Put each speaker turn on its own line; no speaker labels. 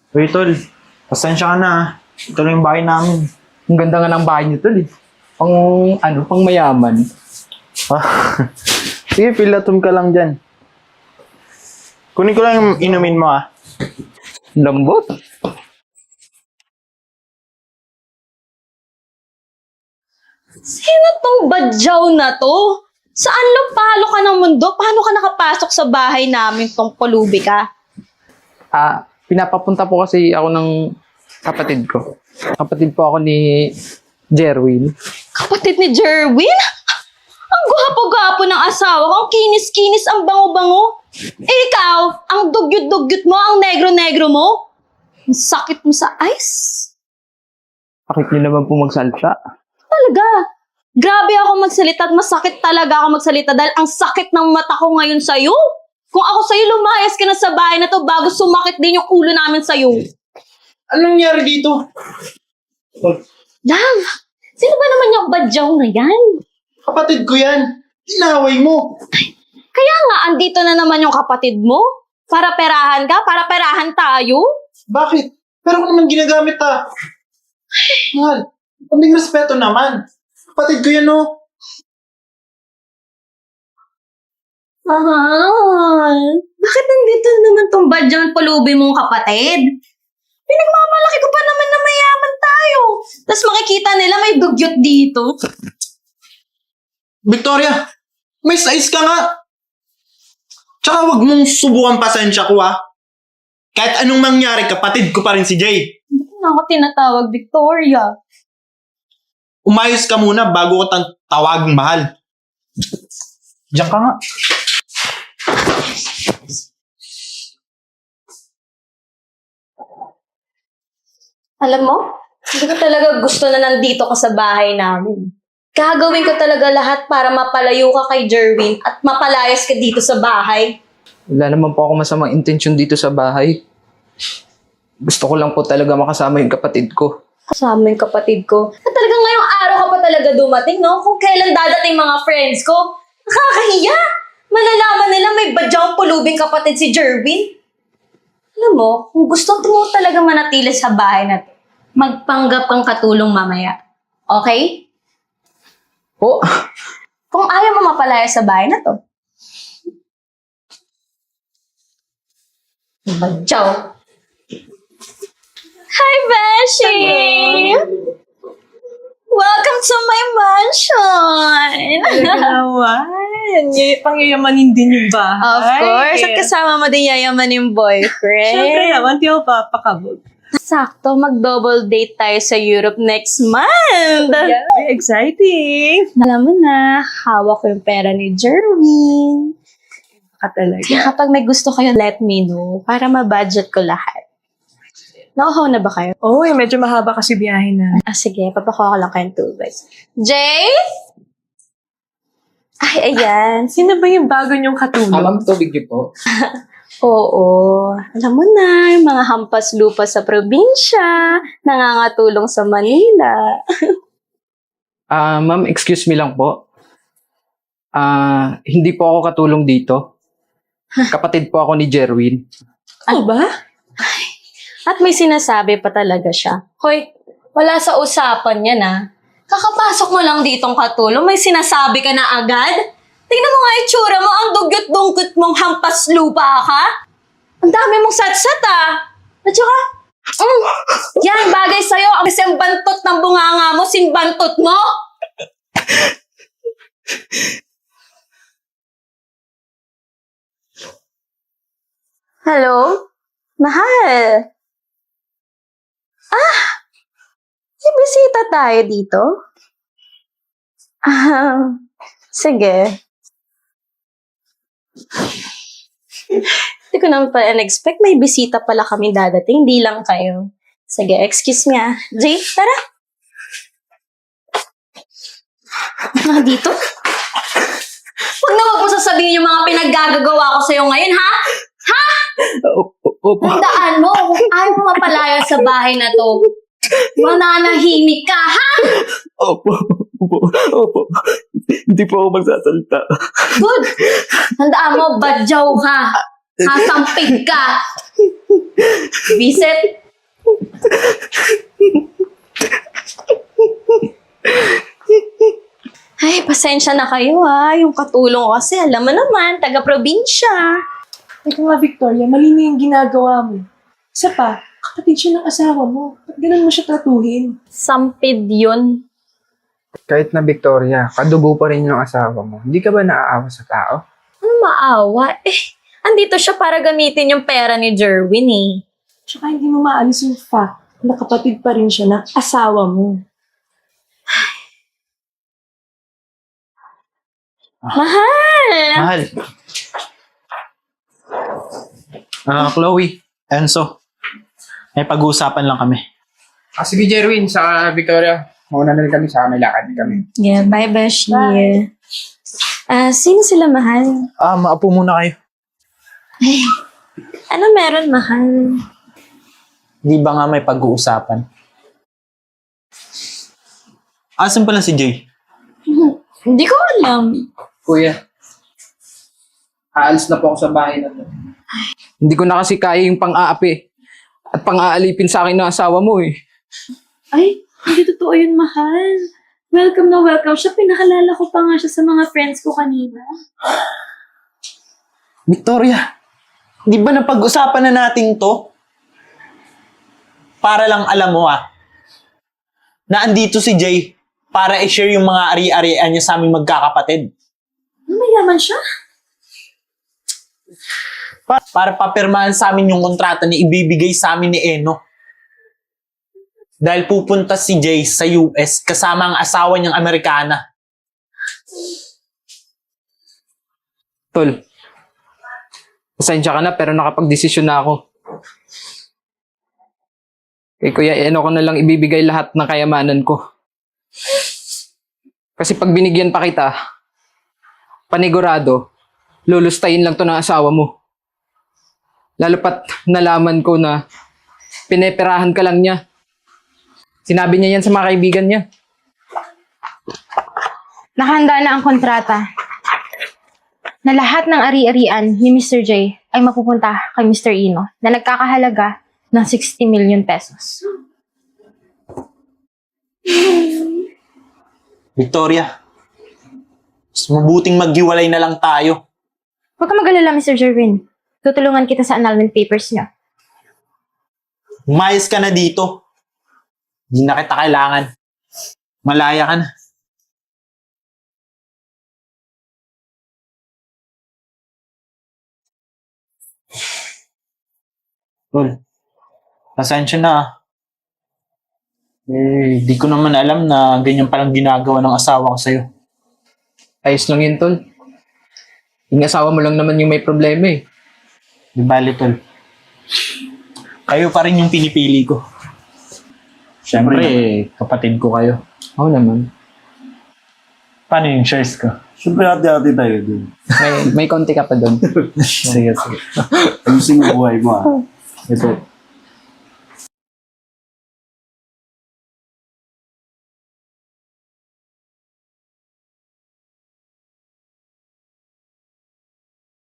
Uy, tol. Pasensya ka na ah. Ito na yung bahay namin.
Ang ganda nga ng bahay niyo tol eh. Pang mayaman.
Ah. Sige, pilatom ka lang dyan. Kunin ko lang yung inumin mo ah.
Lambot.
Sino tong badyaw na to? Saan palo ka ng mundo? Paano ka nakapasok sa bahay namin tong pulubi ka?
Pinapapunta po kasi ako ng kapatid ko. Kapatid po ako ni Jerwin.
Kapatid ni Jerwin? Ang gwapo-gwapo ng asawa ko, ang kinis-kinis, ang bango-bango. Eh ikaw, ang dugyot-dugyot mo, ang negro-negro mo. Ang sakit mo sa ice.
Bakit niyo naman po magsalita?
Talaga. Grabe ako magsalita at masakit talaga ako magsalita dahil ang sakit ng mata ko ngayon sa'yo. Kung ako sa'yo, lumayas ka na sa bahay na to bago sumakit din yung ulo namin sa'yo.
Anong nangyari dito?
Love, sino ba naman yung badyaw na yan?
Kapatid ko yan. Tinaway mo.
Kaya nga, andito na naman yung kapatid mo. Para perahan ka, para perahan tayo.
Bakit? Pero ko naman ginagamit ah. Mahal, kaming respeto naman. Kapatid ko yan oh.
Mahal, bakit nandito naman tong badyaw at pulubi mong kapatid? Pinagmamalaki ko pa naman na mayaman tayo. Tapos makikita nila may dugyot dito.
Victoria, may size ka nga. Tsaka wag mong subukan pasensya ko ah. Kahit anong mangyari, kapatid ko pa rin si Jay.
Hindi na ako tinatawag Victoria.
Umayos ka muna bago ko tawaging mahal. Diyan ka nga.
Alam mo, hindi ko talaga gusto na nandito ka sa bahay namin. Gagawin ko talaga lahat para mapalayo ka kay Jerwin at mapalayas ka dito sa bahay.
Wala naman po ako masamang intensyon dito sa bahay. Gusto ko lang po talaga makasama yung kapatid ko.
Kasama yung kapatid ko. At talagang ngayong araw ka pa talaga dumating, no? Kung kailan dadating mga friends ko. Nakakahiya! Malalaman nila may badyang pulubing kapatid si Jerwin. Alam mo, kung gusto mo talaga manatili sa bahay na to, magpanggap kang katulong mamaya. Okay?
Oh,
Kung ayaw mo mapalaya sa bahay na to. Badyaw. Hi, Beshi! Welcome to my mansion!
Naman. Pangyayamanin din yung bahay.
Of course. At kasama mo din yayaman yung boyfriend.
Siyempre naman, di ako papakabog.
Sakto, mag-double date tayo sa Europe next month.
Yeah, very exciting.
Alam mo na, hawak ko yung pera ni Jerwin.
Ka talaga.
Kaya kapag may gusto kayo, let me know para ma-budget ko lahat. Nauhaw na ba kayo?
Oh, medyo mahaba kasi biyahe na.
Sige, papakuha ko lang kayong tubig. Jay? Ay, ayan.
Sino ba yung bago niyong katulong?
ma'am, tubig niyo po.
Oo. Alam mo na, yung mga hampas lupa sa probinsya, nangangatulong sa Manila.
Ma'am, excuse me lang po. Hindi po ako katulong dito. Kapatid po ako ni Jerwin.
Ano ba?
At may sinasabi pa talaga siya. Hoy, wala sa usapan yan ah. Kakapasok mo lang ditong katulong, may sinasabi ka na agad? Tingnan mo nga itsura mo, ang dugyot-dungkot mong hampas lupa ka. Ang dami mong satsat ah. At saka, yan, bagay sa'yo. Ang kasi ang bantot ng bunganga mo, sinbantot mo. Hello? Mahal. May bisita tayo dito? Sige. Hindi ko naman pa expect may bisita pala kami dadating, di lang kayo. Sige, excuse me ah. Jay, tara. Mga dito? Huwag na huwag mo sasabihin yung mga pinaggagawa ko sa'yo ngayon, ha? Ha?
Opo.
Tandaan mo, kung ayaw mo mapalaya sa bahay na to, mananahimik ka, ha?
Opo. Hindi po ako magsasalita.
Good. Tandaan mo, badyaw ka. Hasampig ka. Visit. Ay, pasensya na kayo ha. Yung katulong ko kasi, alam mo naman, taga-probinsya.
Teka nga, Victoria, mali na yung ginagawa mo. Isa pa, kapatid siya ng asawa mo. Ba't ganun mo siya tratuhin?
Sampid yun.
Kahit na Victoria, kadugo pa rin yung asawa mo. Hindi ka ba naaawa sa tao?
Ano maawa? Andito siya para gamitin yung pera ni Jerwin eh.
Tsaka hindi mo maalis yung fact na kapatid pa rin siya ng asawa mo.
Mahal!
Mahal. Chloe, Enzo. May pag-uusapan lang kami.
Sige, Jerwin, sa Victoria. Mauna na rin kami sa may lakad kami.
Yeah, bye, Beshi. Sino sila, mahal?
Maapo muna kayo.
Ano meron, mahal?
Di ba nga may pag-uusapan? Asan pala si Jay?
Hindi ko alam.
Kuya, aalis na po ako sa bahay na to. Hindi ko na kasi kaya yung pang-aapi at pang-aalipin sa akin ng asawa mo eh.
Ay, hindi totoo yun, mahal. Welcome na welcome siya. Pinakalala ko pa nga siya sa mga friends ko kanina.
Victoria, di ba napag-usapan na natin to? Para lang alam mo na andito si Jay para i-share yung mga ari-arian niya sa aming magkakapatid.
Mayaman siya.
Para papirmahan sa amin yung kontrata na ibibigay sa amin ni Eno. Dahil pupunta si Jay sa US kasama ang asawa niyang Amerikana.
Tol, pasensya ka na pero nakapag-desisyon na ako. Kay Kuya Eno ko na lang ibibigay lahat ng kayamanan ko. Kasi pag binigyan pa kita, panigurado, lulustayin lang to ng asawa mo. Lalo pat nalaman ko na pineperahan ka lang niya. Sinabi niya yan sa mga kaibigan niya.
Nakahanda na ang kontrata na lahat ng ari-arian ni Mr. J ay mapupunta kay Mr. Eno na nagkakahalaga ng 60 million pesos.
Victoria, mas mabuting maghiwalay na lang tayo.
Huwag ka mag-alala, Mr. Jerwin. Tutulungan kita sa annulment papers niya.
Umayos ka na dito. Hindi na kita kailangan. Malaya ka na. Tol, pasensya na. Di ko naman alam na ganyan palang ginagawa ng asawa ko sa'yo.
Ayos lang yun, Tol. Yung asawa mo lang naman yung may problema eh.
Di bali, Tol. Kayo pa rin yung pinipili ko. Siyempre, kapatid ko kayo.
Oo naman.
Paano yung shares ko?
Siyempre, hati-hati tayo dun.
May konti ka pa doon.
Sige, sige.
Ayusin mo buhay mo,
Ito.